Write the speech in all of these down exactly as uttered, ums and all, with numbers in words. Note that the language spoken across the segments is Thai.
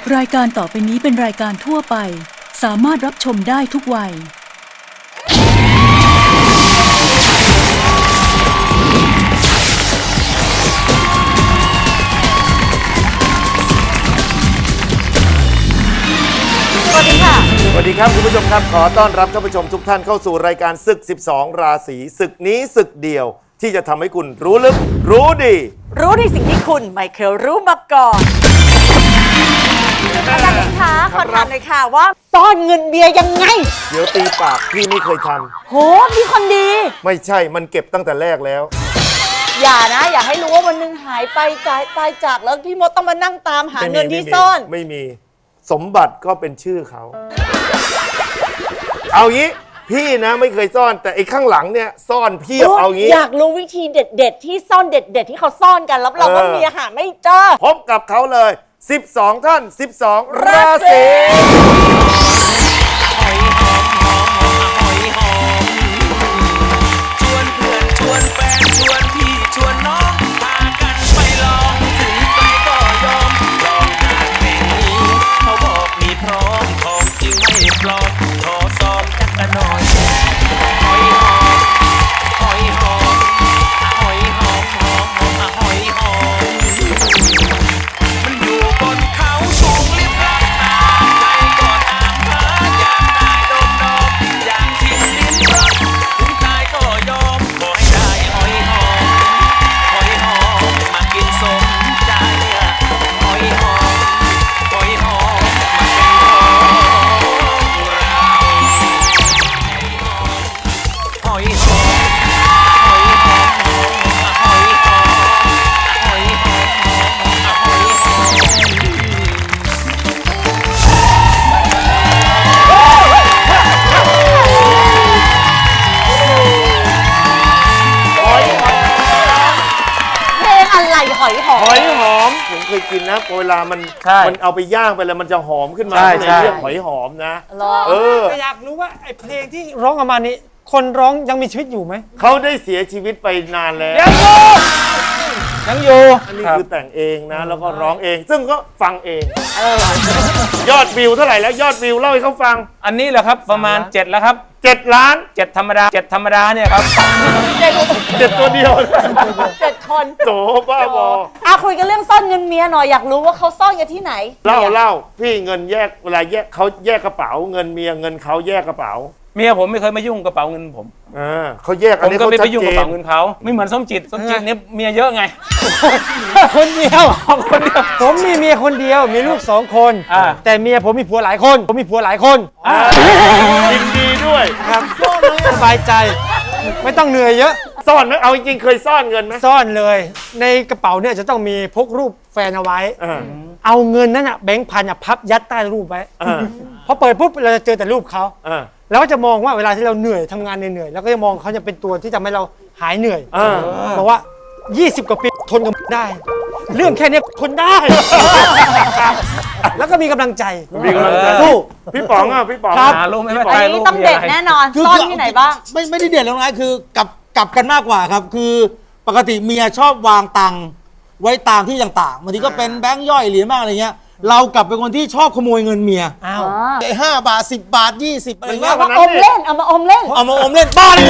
รายการต่อไปนี้เป็นรายการทั่วไปสามารถรับชมได้ทุกวัยสวัสดีค่ะสวัสดีครับคุณผู้ชมครับขอต้อนรับท่านผู้ชมทุกท่านเข้าสู่รายการศึกสิบสองราศีศึกนี้ศึกเดียวที่จะทำให้คุณรู้ลึกรู้ดีรู้ในสิ่งที่คุณไม่เคยรู้มาก่อนอาจารย์เองคะขอถามหน่อยค่ะว่าซ่อนเงินเบียร์ยังไงเดี๋ยวตีปากพี่ไม่เคยทำโหพี่คนดีไม่ใช่มันเก็บตั้งแต่แรกแล้วอย่านะอย่าให้รู้ว่าวันนึงหายไปจ่ายตายจากแล้วพี่มดต้องมานั่งตามหาเงินที่ซ่อนไม่มีสมบัติก็เป็นชื่อเขาเอางี้พี่นะไม่เคยซ่อนแต่ไอ้ข้างหลังเนี่ยซ่อนเพียบเอางี้อยากรู้วิธีเด็ดๆที่ซ่อนเด็ดๆที่เขาซ่อนกันรับรองว่าเมียหาไม่เจอพบกับเขาเลยสิบสองท่านสิบสองราศีหอยหอมหอมหอมหอยหอมชวนเพื่อนชวนแฟนชวนพี่ชวนน้องพากันไปลองถึงไกลก็ยอมลองหาแห่งนี้เขาบอกมีพร้อมของจริงไม่ปลอมขอซ้อมจักรหน่อยหอยหอมหอยหอมหอยหอมหอมหอมหอยหอมมันอยู่บนเขาสูงลิบลับตาใครก็ตามหาอยากได้ดมดมอยากทิ้งลิ้นรักถึงตายก็ยอมขอให้ได้หอยหอมหอยหอมมากินสมใจหอยหอมหอยหอมมาเป็นของเราหอยหอมหอยหอมหอยหอมหอยหอมหอยหอเพลงอะไรหอยหอมหอยหอมผมเคยกินนะเวลามันมันเอาไปย่างไปแล้วมันจะหอมขึ้นมาในเรื่องหอยหอมนะเอออยากรู้ว่าไอ้เพลงที่ร้องออกมานี้คนร้องยังมีชีวิตอยู่ไหมเขาได้เสียชีวิตไปนานแล้วยังอยู่อันนี้คือแต่งเองนะแล้วก็ร้องเองซึ่งก็ฟังเองยอดวิวเท่าไหร่แล้วยอดวิวเล่าให้เขาฟังอันนี้แหละครับประมาณเจ็ดแล้วครับเจ็ดล้านเจ็ดธรรมดาเจ็ดธรรมดาเนี่ยครับเจ็ดตัวเดียวเจ็ดคนโจบ้าบออ่ะคุยกันเรื่องซ่อนเงินเมียหน่อยอยากรู้ว่าเขาซ่อนกันที่ไหนเล่าเล่าพี่เงินแยกเวลาแยกเขาแยกกระเป๋าเงินเมียเงินเขาแยกกระเป๋าเมียผมไม่เคยมายุ่งกระเป๋าเงินผมอ่าเขาแยกอันนี้ผมก็ไม่ไปยุ่งกระเป๋าเงินเขาไม่เหมือนส้มจิตส้มจิตเนี่ยเมียเยอะไงคนเดียวคนเดียวผมมีเมียคนเดียวมีลูกสองคนแต่เมียผมมีผัวหลายคนผมมีผัวหลายคนยินดีด้วยครับสบายใจไม่ต้องเหนื่อยเยอะซ่อนไหมเอาจริงๆเคยซ่อนเงินไหมซ่อนเลยในกระเป๋าเนี่ยจะต้องมีพกรูปแฟนเอาไว้เอาเงินนั้นอ่ะแบงค์พันอ่ะพับยัดใต้รูปไว้พอเปิดปุ๊บเราจะเจอแต่รูปเขาแล้วก็จะมองว่าเวลาที่เราเหนื่อยทำงานเหนื่อยแล้วก็จะมองเขาจะเป็นตัวที่ทำให้เราหายเหนื่อยบอกว่ายี่สิบกว่าปีทนกับได้เรื่องแค่นี้ทนได้แล้วก็มีกำลังใจมีกำลังใจสู้พี่ป๋องอ่ะพี่ป๋องครับรู้ไหมว่าอันนี้ต้องเด็ดแน่นอนซ่อนที่ไหนบ้างไม่ไม่ได้เด็ดแล้วนะคือกลับกลับกันมากกว่าครับคือปกติเมียชอบวางตังค์ไว้ตามที่ต่างๆบางทีก็เป็นแบงค์ย่อยเหรียญบ้างอะไรเงี้ยเรากลับเป็นคนที่ชอบขโมยเงินเมียอ้าวไอ้ห้าบาทสิบบาทยี่สิบอะไรเงี้ยเอามาอมเล่นเอามาอมเล่นเอามาอมเล่นบ้าเลย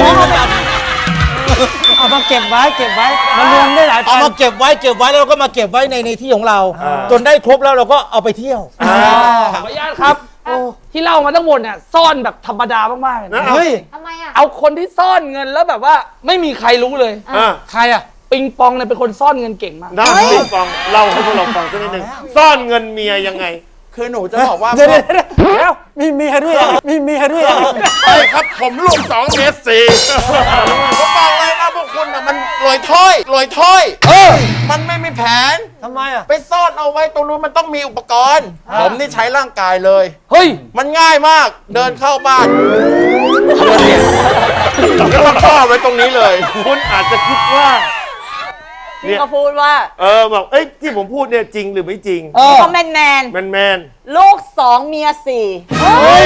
เอามาเก็บไว้เก็บไว้มารวมได้หลายพันเอามาเก็บไว้เก็บไว้แล้วเราก็มาเก็บไว้ในในที่ของเราจนได้ครบแล้วเราก็เอาไปเที่ยวขออนุญาตครับที่เล่ามาทั้งหมดเนี่ยซ่อนแบบธรรมดามากๆเลยนะเฮ้ยทำไมอ่ะเอาคนที่ซ่อนเงินแล้วแบบว่าไม่มีใครรู้เลยใครอ่ะปิงปองเนี่ยเป็นคนซ่อนเงินเก่งมากได้ปิงปองเล่าให้พวกเราฟังสักนิดนึงซ่อนเงินเมียยังไงคือหนูจะบอกว่าเดี๋ยวแล้วมีเมียด้วยมีเมียด้วยใช่ครับผมลูกสองเมตรสี่ผมบอกเลยนะพวกคุณอ่ะมันลอยถ้อยลอยถ้อยเออมันไม่มีแผนทำไมอ่ะไปซ่อนเอาไว้ตรงนู้นมันต้องมีอุปกรณ์ผมนี่ใช้ร่างกายเลยเฮ้ยมันง่ายมากเดินเข้าบ้านแล้วก็ซ่อนไว้ตรงนี้เลยคุณอาจจะคิดว่าที่เขาพูดว่าเออบอกเอ้ยที่ผมพูดเนี่ยจริงหรือไม่จริงเขาแมนแมนแมนแมนลูกสองเมียสี่เฮ้ย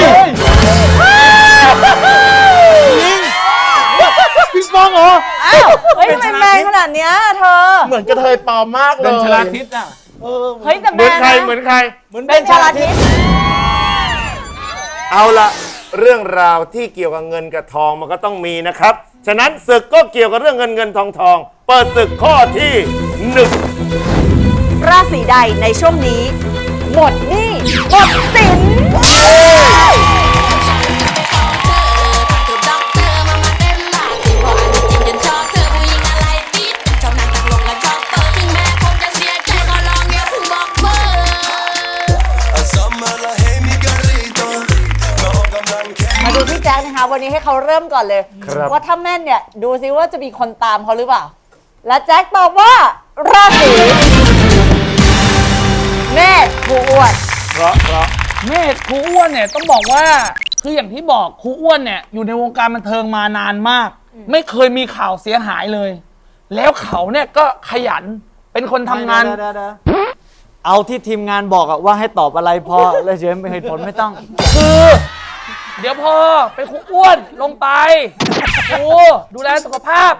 พี่ป้องเหรออ้าวเฮ้ยทำไมแมนขนาดเนี้ยเธอเหมือนกระเทยปลอมมากเลยเป็นชลาทิศอ่ะเออเฮ้ยแต่เหมืแม่อนใครนะเหมือนใครเหมือนเป็นชาลาทิศเอาละเรื่องราวที่เกี่ยวกับเงินกับทองมันก็ต้องมีนะครับ ฉะนั้นศึกก็เกี่ยวกับเรื่องเงินเงินทองทองเปิดศึกข้อที่หนึ่งราศีใดในช่วงนี้ หมดหนี้หมดสิน มาดูพี่แจ๊คนะคะ วันนี้ให้เขาเริ่มก่อนเลยครับว่าถ้าแม่นเนี่ย ดูซิว่าจะมีคนตามเขาหรือเปล่า และแจ๊คตอบว่า ราศีเมษครูอ้วนเพราะเพราะเมธครูอ้วนเนี่ยต้องบอกว่าคืออย่างที่บอกครูอ้วนเนี่ยอยู่ในวงการบันเทิงมานานมาก ไม่เคยมีข่าวเสียหายเลย แล้วเขาเนี่ยก็ขยันเป็นคนทำงานเอาที่ทีมงานบอกอะว่าให้ตอบอะไรพอ แล้วเฉยไม่เหตุผลไม่ต้องคือ เดี๋ยวพอเป็นครูอ้วนลงไปครูดูแลสุขภาพ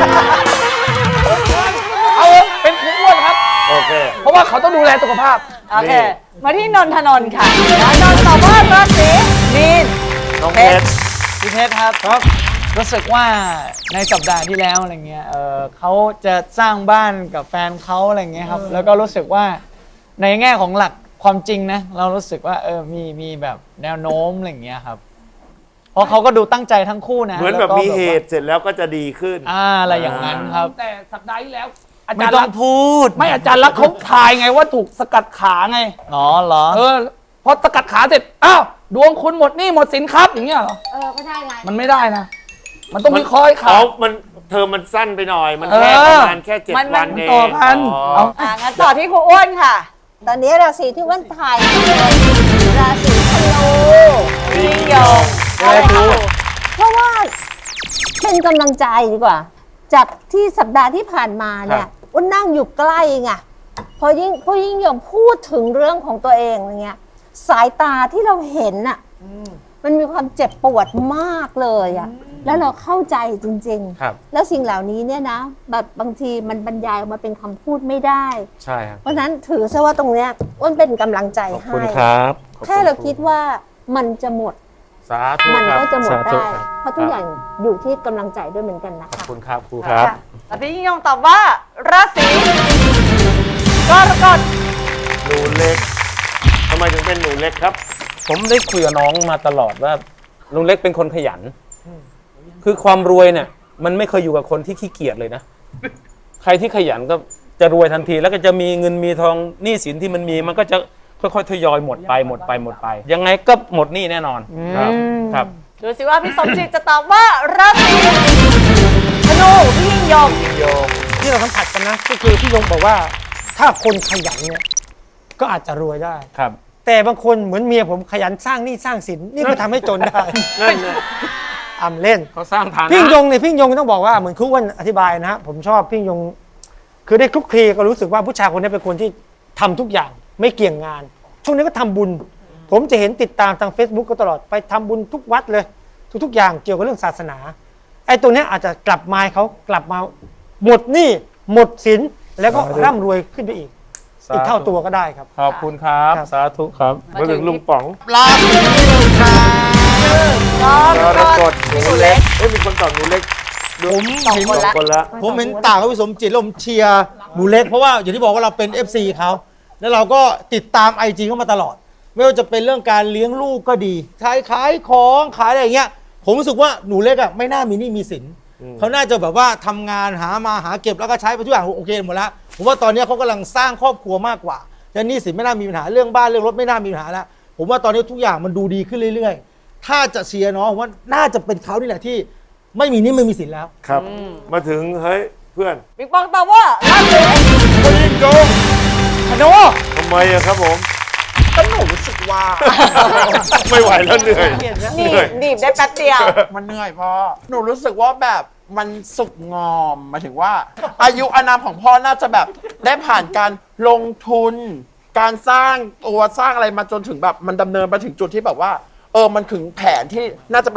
เอาเป็นครูอ้วนครับโอเคเพราะว่าเขาต้องดูแลสุขภาพโอเค มาที่นนทนนท์ค่ะแล้วนนท์ตอบว่าราศีมีนน้องเพชรพี่เพชรครับครับ รู้สึกว่าในสัปดาห์ที่แล้วอะไรเงี้ยเออเขาจะสร้างบ้านกับแฟนเขาอะไรเงี้ยครับ แล้วก็รู้สึกว่าในแง่ของหลักความจริงนะ เรารู้สึกว่าเออมีมีแบบแนวโน้มอะไรเงี้ยครับ เพราะเขาก็ดูตั้งใจทั้งคู่นะเหมือนแบบล้วก็มีเหตุเสร็จแล้วก็จะดีขึ้นอ่าอะไรอย่างนั้นครับแต่สัปดาห์ที่แล้ว อาไม่จารย์ต้ลัอก งษณ์พูดไม่อาจารย์ลักษณ์เขาทายไงว่าถูกสกัดขาไงอ๋อเหรอเออพอสกัดขาเสร็จอ้าวดวงคุณหมดหนี่หมดสินครับอย่างเงี้ยเหรอเออ ก็ใช่ไงมันไม่ได้นะ มันต้องมีคอยขาอ๋อมันเธอมันสั้นไปหน่อย มันแค่เออประมาณแค่เจ็ดมันวันมันเองต่อกันอ๋อเอาอ่างั้นต่อที่ครูอ้วนค่ะตอนนี้ราศีที่อ้วันถ่ายเลยราศีธนูพี่ยิ่งยงอะไรครูเพราะว่าเป็นกำลังใจดีกว่า จากที่สัปดาห์ที่ผ่านมาเนี่ยอ้วนนั่งอยู่ใกล้ไงพอยิ่งพอยิ่งยงพูดถึงเรื่องของตัวเองอะไรเงี้ยสายตาที่เราเห็นน่ะมันมีความเจ็บปวดมากเลยอ่ะแล้วเราเข้าใจจริงครับๆ แล้วสิ่งเหล่านี้เนี่ยนะแบบบางทีมันบรรยายออกมาเป็นคำพูดไม่ได้ใช่ครับเพราะฉะนั้นถือซะว่าตรงเนี้ยอ้วนเป็นกำลังใจขอบให้คุณครับขอบณแค่เราคิดว่ามันจะหมดสาธุมันครับก็จะหมดสาธุได้ครับเพราะทุกอย่างอยู่ที่กำลังใจด้วยเหมือนกันนะขอบคะคุณครับครูครับค่ะแล้วพี่ยิ่งยงตอบว่า ราศีกรกฎหนูเล็กทำไมถึงเป็นหนูเล็กครับผมได้คุยกับน้องมาตลอดว่าลุงเล็กเป็นคนขยัน คือความรวยเนี่ย มันไม่เคยอยู่กับคนที่ขี้เกียจเลยนะ ใครที่ขยันก็จะรวยทันที แล้วก็จะมีเงินมีทองหนี้สินที่มันมีมันก็จะค่อยๆทยอยหมดไปหมดไปหมดไป ยังไงก็หมดหนี้แน่นอนครับครับดูสิว่าพี่สมจิตจะตอบว่า ราศีธนูพี่ยิ่งยงที่เราสัมผัสกันนะก็คือพี่ยงบอกว่าถ้าคนขยันเนี่ยก็อาจจะรวยได้ครับแต่บางคนเหมือนเมียผมขยันสร้างหนี้สร้างสินนี่ก็ทำให้จนได้นั่นไงอำเล่นเขาสร้างฐานะพี่ยงเนี่ยพี่ยงต้องบอกว่าเหมือนครูอ้วนอธิบายนะฮะผมชอบพี่ยง คือได้คลุกคลีก็รู้สึกว่าผู้ชายคนนี้เป็นคนที่ทำทุกอย่างไม่เกี่ยงงาน ช่วงนี้ก็ทำบุญ ผมจะเห็นติดตามทาง Facebook ก็ตลอดไปทำบุญทุกวัดเลย ทุกๆอย่างเกี่ยวกับเรื่องศาสนาไอ้ตัวเนี้ยอาจจะกลับมาให้เขากลับมาหมดหนี้หมดสินแล้วก็ร่ำรวยขึ้นไปอีก อีกเท่าตัวก็ได้ครับขอบคุณครับครับสาธุครับมาถึงลุงป๋องราศีนี้เลยครับกรกรกกฎฎหนูเล็กเอ้ยมีคนตอบหนูเล็กผมสองเห็นคนสองคนละผมเห็นต่างกับพี่สมจิตแล้วผมเชียร์หนูเล็กเพราะว่าอย่างที่บอกว่าเราเป็น เอฟ ซี เขาแล้วเราก็ติดตาม ไอ จี เขามาตลอด ไม่ว่าจะเป็นเรื่องการเลี้ยงลูกก็ดีขายขายของขายอะไรอย่างเงี้ยผมรู้สึกว่าหนูเล็กอ่ะไม่น่ามีหนี้มีสินเขาน่าจะแบบว่าทำงานหามาหาเก็บแล้วก็ใช้ไปทุกอย่างโอเคหมดแล้วผมว่าตอนนี้เขากำลังสร้างครอบครัวมากกว่าและหนี้สินไม่น่ามีปัญหาเรื่องบ้านเรื่องรถไม่น่ามีปัญหาแล้วผมว่าตอนนี้ทุกอย่างมันดูดีขึ้นเรื่อยๆ ถ้าจะเชียร์น้องผมว่าน่าจะเป็นเขานี่แหละที่ไม่มีหนี้ไม่มีสินแล้วครับ มาถึงเฮ้ยเพื่อนบิ๊กปองตอบว่า ราศีพี่ยิ่งยงธนูทำไมอะครับผมก็หนูรู้สึกว่าไม่ไหวแล้วเหนื่อยหนีเหนื่อยบหนีบได้แป๊บเดียวมันเหนื่อยพ่อหนูรู้สึกว่าแบบมันสุกงอมหมายถึงว่า อายุอานามของพ่อน่าจะแบบได้ผ่านการลงทุน การสร้างตัวสร้างอะไรมาจนถึงแบบมันดำเนินมาถึงจุดที่แบบว่า เออมันถึงแผนที่น่าจะเป็น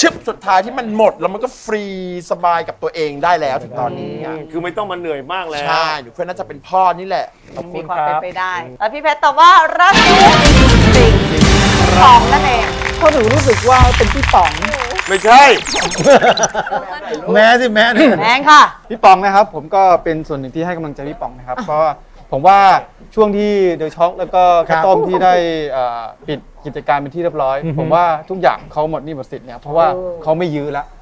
ชึบสุดท้ายที่มันหมดแล้วมันก็ฟรีสบายกับตัวเองได้แล้วถึงตอนนี้อะคือไม่ต้องมาเหนื่อยมากแล้วใช่หนูเพื่อนน่าจะเป็นพ่อนี่แหละมีความเป็นไปได้ แล้วพี่เพชรตอบว่าราศีสิงห์สองนั่นเองเพราะหนูรู้สึกว่าเป็นพี่ป๋องไม่ใช่แม้สิแม้เนี่ยแมงค่ะพี่ปองนะครับผมก็เป็นส่วนหนึ่งที่ให้กำลังใจพี่ปองนะครับ เพราะว่าผมว่าช่วงที่เดอะช็อคแล้วก็ข้าวต้มที่ได้เอ่อปิดกิจการเป็นที่เรียบร้อย ผมว่าทุกอย่างเขาหมดหนี้หมดสิทธิ์เนี่ยเพราะว่าเขาไม่ยื้อแล้ว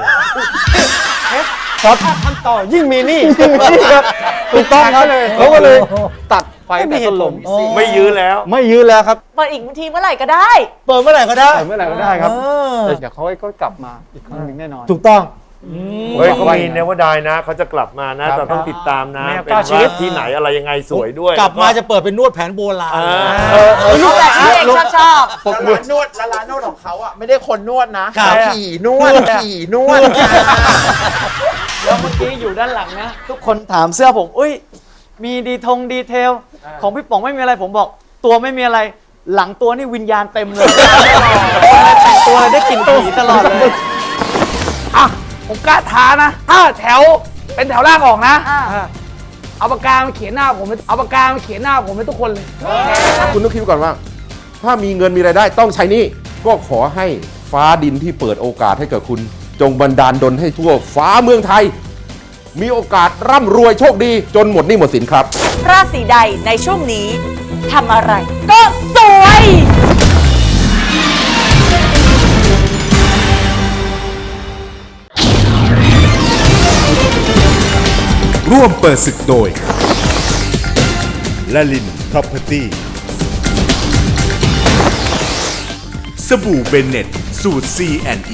ครับทำต่อยิ่งมีหนี่ถูกต้องครับเขาก็เลยตัดไฟแต่ต้นลมไม่ยื้อแล้วไม่ยื้อแล้วครับเปิดอีกทีเมื่อไหร่ก็ได้เปิดเมื่อไหร่ก็ได้แต่เมื่อไหร่ก็ได้ครับเออแต่เดี๋ยวเขาก็กลับมาอีกครั้งหนึ่งแน่นอนถูกต้องเฮ้ยเขามีเนวดายนะเขาจะกลับมานะ แต่ต้องติดตามนะแมวเป็นเก้าชีวิตว่าที่ไหนอะไรยังไงสวยด้วยกลับมาจะเปิดเป็นนวดแผนโบราณอ่าเออเออรูปแบบที่เองชอบชอบแล้วร้านนวดแล้วร้านนวดของเขาอ่ะไม่ได้คนนวดนะครับ ผีนวดผีนวดแล้วเมื่อกี้อยู่ด้านหลังนะ ทุกคนถามเสื้อผมอุ้ยมีดีทงดีเทล ของพี่ป๋องไม่มีอะไรผมบอก ตัวไม่มีอะไร หลังตัวนี่วิญญาณเต็มเลยแต่งตัวอะไรได้กลิ่นผีตลอดเลยอ่ะ ผมกล้าท้านะ ถ้าแถวเป็นแถวล่างออกนะอ่าเอาปากกามาเขียนหน้าผมไปเอาปากกามาเขียนหน้าผมไปทุกคนเลยคุณต้องคิดก่อนว่า ถ้ามีเงินมีรายได้ต้องใช้หนี่ก็ขอให้ฟ้าดินที่เปิดโอกาสให้กับคุณ จงบันดาลดลให้ทั่วฟ้าเมืองไทย มีโอกาสร่ำรวยโชคดีจนหมดหนี้หมดสินครับราศีใดในช่วงนี้ทำอะไร ก็สวยร่วมเปิดศึกโดยละลิน Property สบู่เบนเน็ตสูตร ซี แอนด์ อี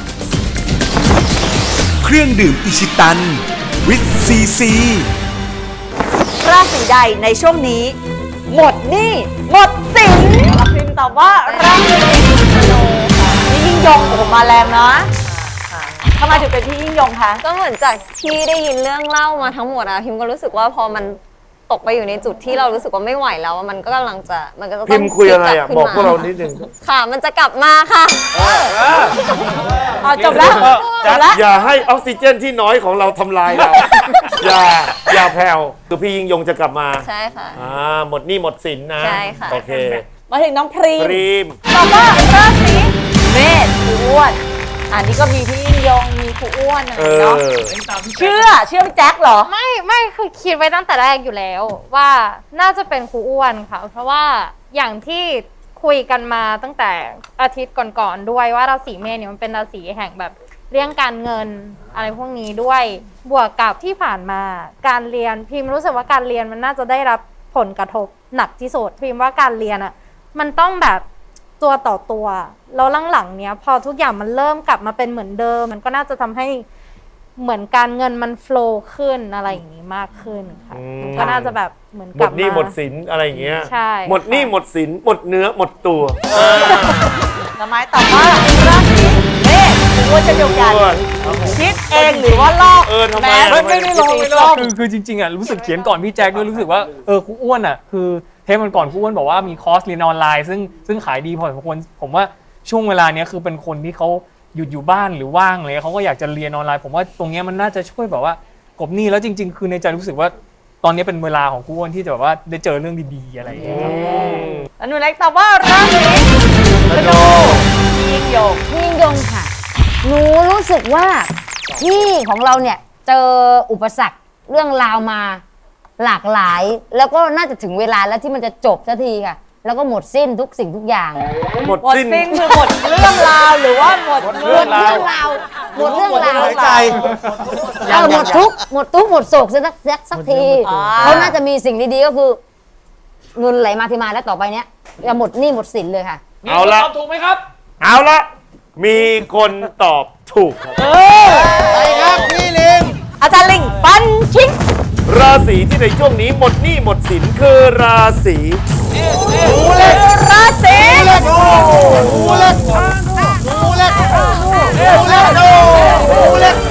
เครื่องดื่มอิชิตันวิตซีซีราศีใดในช่วงนี้ หมดหนี้หมดสินรับพิมพ์ตอบว่าราศีธนูค่ะนี่ยิ่งยงโอ้โหมาแรงนะทำไมถึงเป็นพี่ยิ่งยงคะก็เหมือนจากที่ได้ยินเรื่องเล่ามาทั้งหมดอะพิมก็รู้สึกว่าพอมันตกไปอยู่ในจุดที่เรารู้สึกว่าไม่ไหวแล้วอะมันก็กำลังจะมันก็จะต้องพิมพ์คุยอะไรอ่ะพลิบอกพวกเราขึ้นมนิดนึงค่ะ มันจะกลับมาค่ะอ๋อจบแล้วจบแล้วอย่าให้ออกซิเจนที่น้อยของเราทำลายเรา อย่าอย่าแผ่วคือพี่ยิ่งยงจะกลับมาใช่ค่ะอ่าหมดหนี้หมดสินนะใช่ค่ะโอเคมาถึงน้องพรีมพรีมตอบว่าราศีเมษครูอ้วนอันนี้ก็มีพี่ยิ่งยงมีครูอ้วนอะไรเอเนาะอเชื่อเชื่อพี่แจ็คเหรอไม่ไม่คือคิดไว้ตั้งแต่แรกอยู่แล้วว่าน่าจะเป็นครูอ้วนค่ะ เพราะว่าอย่างที่คุยกันมาตั้งแต่อาทิตย์ก่อนๆด้วยว่าราศีเมษเนี่ยมันเป็นราศีแห่งแบบเรื่องการเงินอะไรพวกนี้ด้วยบวกกับที่ผ่านมาการเรียนพิมรู้สึกว่าการเรียนมันน่าจะได้รับผลกระทบหนักที่สุดพิมว่าการเรียนอ่ะมันต้องแบบตัวต่อตัวแล้วหลังๆเนี้ยพอทุกอย่างมันเริ่มกลับมาเป็นเหมือนเดิมมันก็น่าจะทำให้เหมือนการเงินมันโฟลว์ขึ้นอะไรอย่างนี้มากขึ้นค่ะมันก็น่าจะแบบเหมือนหกมลับดมาหนี้หมดสินอะไรอย่างเงี้ยใช่หมดหนี้หมดสินหมดเนื้อหมดตัวทำไมตอบว่าราศีเมษครูอ้วนเช่นเดียวกันคิดเองหรือว่าลอกเออทำไมแม้อะไม่ไม่ได้ลองไม่ได้ลองคือคือจริงๆอ่ะรู้สึกเขียนก่อนพี่แจ็คด้วยรู้สึกว่าเออครูอ้วนอ่ะคือเทปมันก่อนครูอ้วนบอกว่ามีคอร์สเรียนออนไลน์ซึ่งซึ่งขายดีพอสมควรผมว่าช่วงเวลาเนี้ยคือเป็นคนที่เขาหยุดอยู่บ้านหรือว่างอะไรเขาก็อยากจะเรียนออนไลน์ผมว่าตรงเนี้ยมันน่าจะช่วยแบบว่ากลบหนี้แล้วจริง ๆ คือในใจรู้สึกว่าตอนนี้เป็นเวลาของครูอ้วนที่จะแบบว่าได้เจอเรื่องดีๆอะไรอย่างเงี้ยครับแล้วหนูเล็กตอบว่าราศีธนูพี่ยิ่งยงพี่ยิ่งยงค่ะ หนูรู้สึกว่าที่ของเราเนี่ยเจออุปสรรคเรื่องราวมาหลากหลาย แล้วก็น่าจะถึงเวลาแล้วที่มันจะจบสักทีค่ะ แล้วก็หมดสิ้นทุกสิ่งทุกอย่างหมดหมดสิ้นสิ้นคือหมดเรื่องราวหรือว่าหมดหมดเรื่องราวหมดเรื่องราวหายใจเออหมดทุกข์หมดทุกข์หมดโศกสักสักสักทีเขาน่าจะมีสิ่งดีๆก็คือเงินไหลมาที่มาแล้วต่อไปเนี้ยจะหมดหนี้หมดสินเลยค่ะเอาละตอบถูกไหมครับเอาละมีคนตอบถูกครับไปครับพี่ลิงอาจารย์ลิงฟันทิ้งราศีที่ในช่วงนี้หมดหนี้หมดสินคือราศีราศีงูเล็กงูเล็กงูเล็กงูเล็ก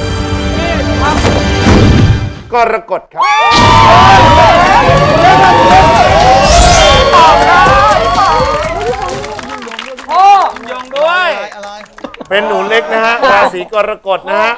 กรกฎครับพ่อยงด้วยเป็นหนูเศีกรกฎนะฮะ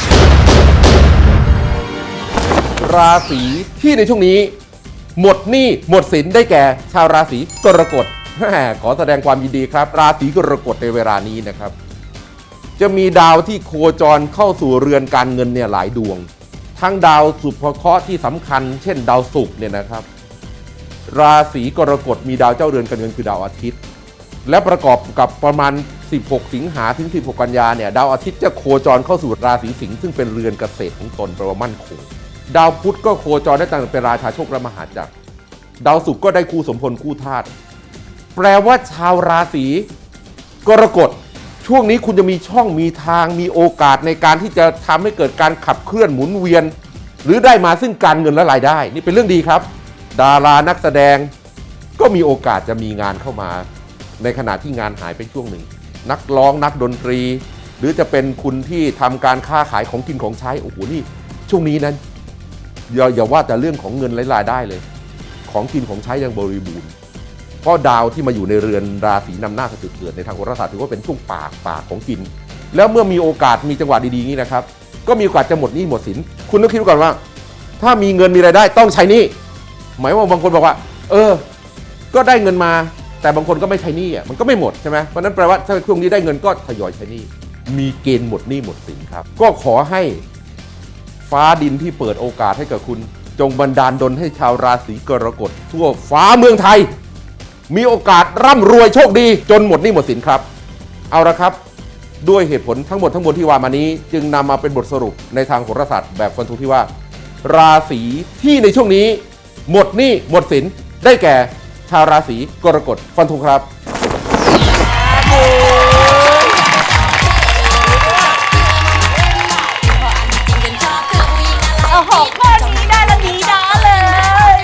ราศีที่ในช่วงนี้หมดหนี้หมดสินได้แก่ชาวราศีกรกฎแหมขอแสดงความยินดีครับ ราศีกรกฎในเวลานี้นะครับ จะมีดาวที่โคจรเข้าสู่เรือนการเงินเนี่ยหลายดวง ทั้งดาวสุภเคราะห์ที่สำคัญเช่นดาวศุกร์เนี่ยนะครับ ราศีกรกฎมีดาวเจ้าเรือนการเงินคือดาวอาทิตย์ และประกอบกับประมาณสิบหกสิงหาถึงสิบหกกันยาเนี่ยดาวอาทิตย์จะโคจรเข้าสู่ราศีสิงห์ซึ่งเป็นเรือนเกษตรของตนแปลว่ามั่นคงดาวพุธก็โคจรได้ตั้งเป็นราชาโชคและมหาจักรดาวศุกร์ก็ได้คู่สมพลคู่ธาตุแปลว่าชาวราศีกรกฎช่วงนี้คุณจะมีช่องมีทางมีโอกาสในการที่จะทำให้เกิดการขับเคลื่อนหมุนเวียน หรือได้มาซึ่งการเงินและรายได้นี่เป็นเรื่องดีครับดารานักแสดงก็มีโอกาสจะมีงานเข้ามาในขณะที่งานหายไปช่วงหนึ่งนักร้องนักดนตรีหรือจะเป็นคุณที่ทำการค้าขายของกินของใช้โอ้โหนี่ช่วงนี้นั้นอย่าอย่าว่าแต่เรื่องของเงินและรายได้เลยของกินของใช้ยังบริบูรณ์เพราะดาวที่มาอยู่ในเรือนราศีนำหน้าจุดเกิดในทางโหราศาสตร์ถือว่าเป็นช่วงปากปากของกินแล้วเมื่อมีโอกาสมีจังหวะดีๆนี้นะครับก็มีโอกาสจะหมดหนี้หมดสินคุณต้องคิดก่อนว่าถ้ามีเงินมีรายได้ต้องใช้หนี้หมายว่าบางคนบอกว่าเออก็ได้เงินมาแต่บางคนก็ไม่ใช้หนี้อ่ะมันก็ไม่หมดใช่ไหมเพราะนั้นแปลว่าถ้าช่วงนี้ได้เงินก็ทยอยใช้หนี้มีเกณฑ์หมดหนี้หมดสินครับก็ขอให้ฟ้าดินที่เปิดโอกาสให้กับคุณจงบันดาลดลให้ชาวราศีกรกฎทั่วฟ้าเมืองไทยมีโอกาสร่ำรวยโชคดีจนหมดหนี้หมดสินครับเอาละครับด้วยเหตุผลทั้งหมดทั้งมวลที่ว่ามานี้จึงนำมาเป็นบทสรุปในทางโหราศาสตร์แบบฟันธงที่ว่าราศีที่ในช่วงนี้หมดหนี้หมดสินได้แก่ชาวราศีกรกฎฟันธงครับโอ้โหข้อนี้ได้แล้วดีนะเลย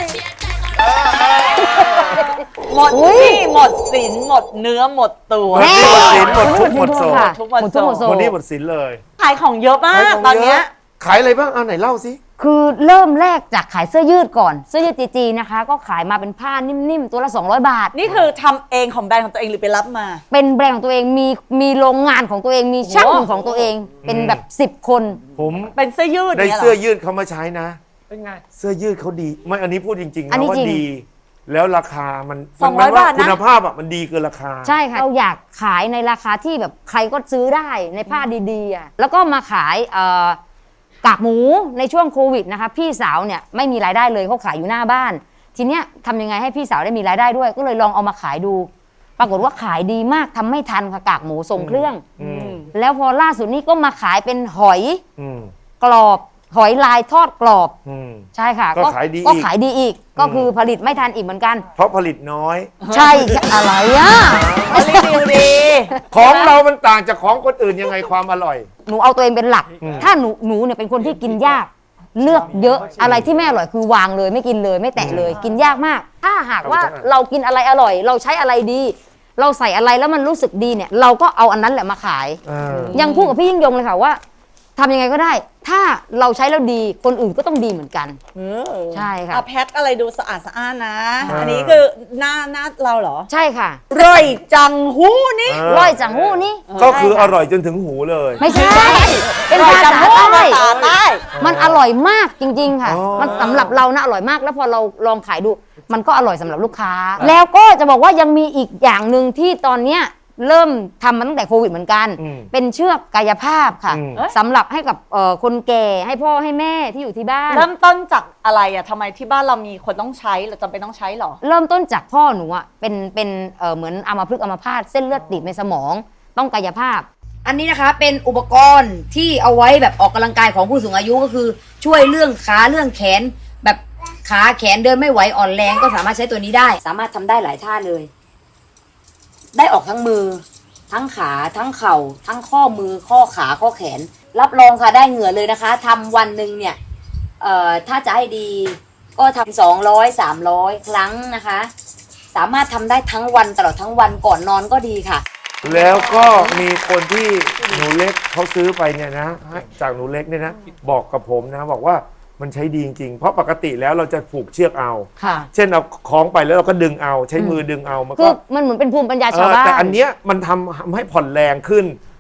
หมดหนี้หมดสินหมดเนื้อหมดตัวหมดหนี้หมดสินหมดทุกข์หมดโศกทุกข์หมดโศกหมดหนี้หมดสินเลยขายของเยอะมากตอนเนี้ยขายอะไรบ้างเอาไหนเล่าสิคือเริ่มแรกจากขายเสื้อยืดก่อนเสื้อยืดจีจีนะคะ ก็ขายมาเป็นผ้านิ่มๆตัวละสองร้อยบาทนี่คือทำเองของแบรนด์ของตัวเองหรือไปรับมาเป็นแบรนด์ของตัวเองมีมีโรงงานของตัวเองมีช่างของตัวเองเป็นแบบสิบคนผมเป็นเสื้อยืดได้เสื้อยืดเขามาใช้นะเป็นไงเสื้อยืดเขาดีไม่อันนี้พูดจริงๆอันนะนี้ว่าจริงดี แล้วราคามันสองร้อยมันว่าบาทนะคุณภาพอ่ะมันดีเกินราคาใช่ค่ะเราอยากขายในราคาที่แบบใครก็ซื้อได้ในผ้าดีๆอ่ะแล้วก็มาขายเอ่อกากหมูในช่วงโควิดนะคะพี่สาวเนี่ยไม่มีรายได้เลยเขาขายอยู่หน้าบ้าน ทีเนี้ยทำยังไงให้พี่สาวได้มีรายได้ด้วย ก็เลยลองเอามาขายดู ปรากฏว่าขายดีมากทำไม่ทันค่ะกากหมูส่งเครื่องอืมแล้วพอล่าสุดนี้ก็มาขายเป็นหอยอืมกรอบหอยลายทอดกรอบอืมใช่ค่ะก็ขายดีก็อีกขายดีอีกก็คือผลิตไม่ทันอีกเหมือนกันเพราะผลิตน้อยใช่อะไรอ่ะรีวิวดีของเรามันต่างจากของคนอื่นยังไงความอร่อยหนูเอาตัวเองเป็นหลักอืมถ้าหนูหนูเนี่ยเป็นคนที่กินยาก เลือกเยอะอะไรที่ไม่อร่อยคือวางเลยไม่กินเลยไม่แตะเลย กินยากมาก ถ้าหากว่าเรากินอะไรอร่อย เราใช้อะไรดี เราใส่อะไรแล้วมันรู้สึกดีเนี่ย เราก็เอาอันนั้นแหละมาขาย ยังพูดกับพี่ยิ่งยงเลยค่ะว่าทำยังไงก็ได้ ถ้าเราใช้แล้วดีคนอื่นก็ต้องดีเหมือนกัน ใช่ค่ะอ่ะแพทอะไรดูสะอาดสะอ้านนะอ่าอันนี้คือหน้าหน้าเราเหรอใช่ค่ะร่อยจังหู้นี่อ่าร่อยจังหู้นี่ก็คืออร่อยจนถึงหูเลยไม่ใช่ เป็นร่อยภาจังษาหู้ใต้ภาษาใต้มันอร่อยมากจริง ๆ ค่ะอ๋อมันสำหรับเรานะอร่อยมาก แล้วพอเราลองขายดู มันก็อร่อยสำหรับลูกค้า แล้วก็จะบอกว่ายังมีอีกอย่างหนึ่งที่ตอนเนี้ยเริ่มทำมาตั้งแต่โควิดเหมือนกันอืมเป็นเชือกกายภาพค่ะอืมสำหรับให้กับเอ่อคนแก่ให้พ่อให้แม่ที่อยู่ที่บ้านเริ่มต้นจากอะไรอ่ะทำไมที่บ้านเรามีคนต้องใช้เราจำเป็นต้องใช้เหรอเริ่มต้นจากพ่อหนูอ่ะเป็นเป็นเอ่อเหมือนอัมพฤกษ์อัมพาตเส้นเลือดตีบในสมองต้องกายภาพ อันนี้นะคะเป็นอุปกรณ์ที่เอาไว้แบบออกกำลังกายของผู้สูงอายุก็คือช่วยเรื่องขาเรื่องแขน แบบขาแขนเดินไม่ไหวอ่อนแรงก็สามารถใช้ตัวนี้ได้ สามารถทำได้หลายท่าเลย ได้ออกทั้งมือ ทั้งขาทั้งเข่า ทั้งข้อมือข้อขาข้อแขน รับรองค่ะได้เหงื่อเลยนะคะทำวันหนึ่งเนี่ยเอ่อถ้าจะให้ดีก็ทำสองร้อยสามร้อยครั้งนะคะ สามารถทำได้ทั้งวันตลอดทั้งวันก่อนนอนก็ดีค่ะแล้วก็มีคนที่หนูเล็กเขาซื้อไปเนี่ยนะจากหนูเล็กเนี่ยนะบอกกับผมนะบอกว่ามันใช้ดีจริงๆเพราะปกติแล้วเราจะผูกเชือกเอาค่ะเช่นเอาคล้องไปแล้วเราก็ดึงเอาใช้มือดึงเอามันคืก็อมันเหมือนเป็นภูมิปัญญาเอชาวอบ้านแต่อันเนี้ยมันทำทำให้ผ่อนแรงขึ้น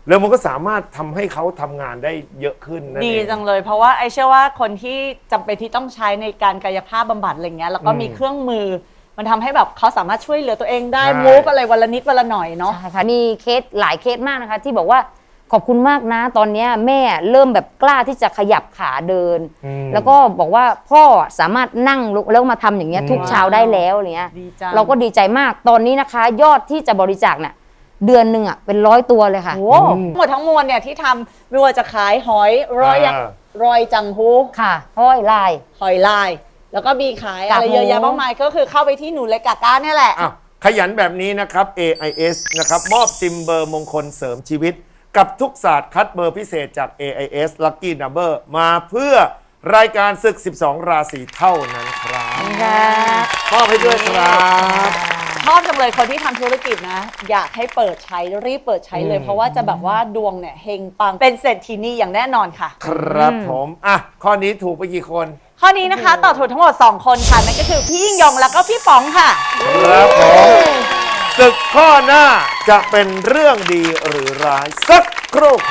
แล้วมันก็สามารถทำให้เขาทำงานได้เยอะขึ้นนั่นดีเองจังเลย เพราะว่าไอเชื่อว่าคนที่จำเป็นที่ต้องใช้ในการกายภาพบำบัดอะไรเงี้ยแล้วก็มีอืมเครื่องมือ มันทำให้แบบเขาสามารถช่วยเหลือตัวเองได้ใช่มูฟอะไรวันละนิดวันละหน่อยเนาะใช่ค่ะมีเคสหลายเคสมากนะคะ ที่บอกว่าขอบคุณมากนะ ตอนเนี้ยแม่เริ่มแบบกล้าที่จะขยับขาเดินอืมแล้วก็บอกว่าพ่อสามารถนั่งลุกแล้วมาทำอย่างเงี้ยทุกเช้าได้แล้วอะไรเงี้ยดีจังเราก็ดีใจมากตอนนี้นะคะ ยอดที่จะบริจาคเนี่ยเดือนหนึ่งอ่ะเป็นร้อยตัวเลยค่ะโอ้หมดทั้งมวลเนี่ยที่ทำไม่ว่าจะขายหอยรอยยักษ์อ่ารอยจังฮูค่ะห้อยลายหอยลาย แล้วก็มีขายกากอะไรหมูเยอะแยะมากมายก็คือเข้าไปที่หนูเล็กกาก้าเนี่ยแหละอ้าวขยันแบบนี้นะครับ เอ ไอ เอส นะครับมอบซิมเบอร์มงคลเสริมชีวิต กับทุกศาสตร์คัดเบอร์พิเศษจาก เอ ไอ เอส Lucky Number มาเพื่อรายการศึก สิบสอง ราศีเท่านั้นครับมอบให้ด้วยครับชอบจังเลยคนที่ทำธุรกิจนะ อยากให้เปิดใช้รีบเปิดใช้เลยอืมเพราะว่าจะแบบว่าดวงเนี่ยเฮงปังเป็นเศรษฐีนีอย่างแน่นอนค่ะครับผม อ่ะ ข้อนี้ถูกไปกี่คนข้อนี้นะคะตอบถูกทั้งหมด สอง คนค่ะ นั่นก็คือพี่ยิ่งยงแล้วก็พี่ป๋องค่ะครับผมศึกข้อหน้าจะเป็นเรื่องดีหรือร้าย สักครู่ครับ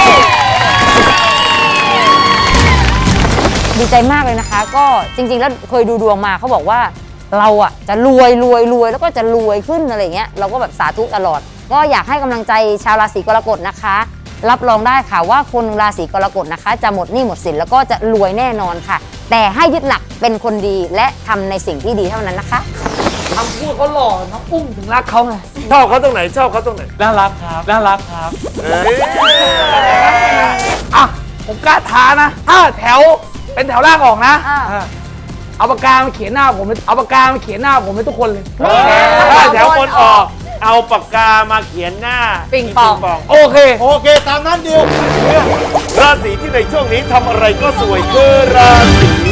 ดีใจมากเลยนะคะ ก็จริงๆแล้วเคยดูดวงมาเขาบอกว่าเราอ่ะจะรวยรวยรวยแล้วก็จะรวยขึ้นอะไรเงี้ยเราก็แบบสาธุตลอด ก็อยากให้กำลังใจชาวราศีกรกฎนะคะ รับรองได้ค่ะว่าคนราศีกรกฎนะคะ จะหมดหนี้หมดสินแล้วก็จะรวยแน่นอนค่ะ แต่ให้ยึดหลักเป็นคนดีและทำในสิ่งที่ดีเท่านั้นนะคะคำพูดเขาหล่อน้องอุ้มถึงรักเขาไงชอบเขาตรงไหน ชอบเขาตรงไหนน่ารักครับน่ารักครับเอ้ยอ่ะผมกล้าท้านะถ้าแถวเป็นแถวล่างออกนะเอาปากกามาเขียนหน้าผมเอาปากกามาเขียนหน้าผมให้ทุกคนเลยถ้าแถวคนออก เอาปากกามาเขียนหน้าปิงปองโอเคโอเค ตามนั้นดิวราศีที่ในช่วงนี้ทำอะไรก็สวยคือราศี